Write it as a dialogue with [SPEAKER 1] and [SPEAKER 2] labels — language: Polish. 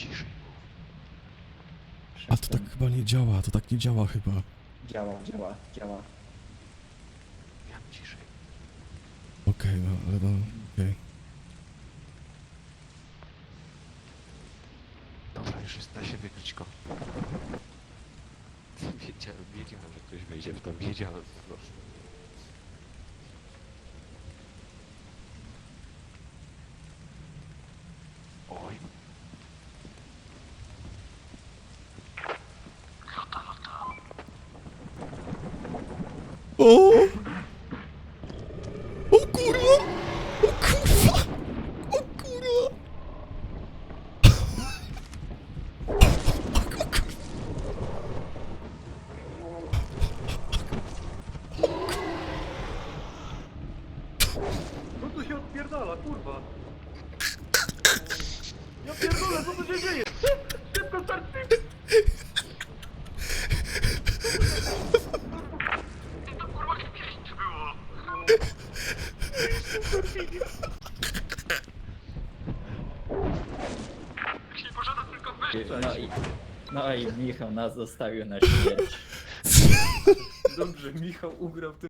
[SPEAKER 1] Ciszej mów.
[SPEAKER 2] A to tak chyba nie działa, to tak nie działa chyba.
[SPEAKER 3] Działa.
[SPEAKER 1] Miam ciszej.
[SPEAKER 2] Okej, no, ale no, okej.
[SPEAKER 1] Dobra, już jest, da się wykryć go. Wiedziałem, że ktoś wejdzie w to, wiedziałem po prostu. Oj.
[SPEAKER 2] O! O kurwa! O kurwa! O kurwa!
[SPEAKER 4] Co tu się odpierdala, kurwa? Ja pierdolę, co tu się dzieje? Szybko, start, to kurwa kiedyś było. Jak nie pożada tylko wyjść.
[SPEAKER 3] No i Michał nas zostawił na śmierć.
[SPEAKER 4] Dobrze, Michał ugrał w tym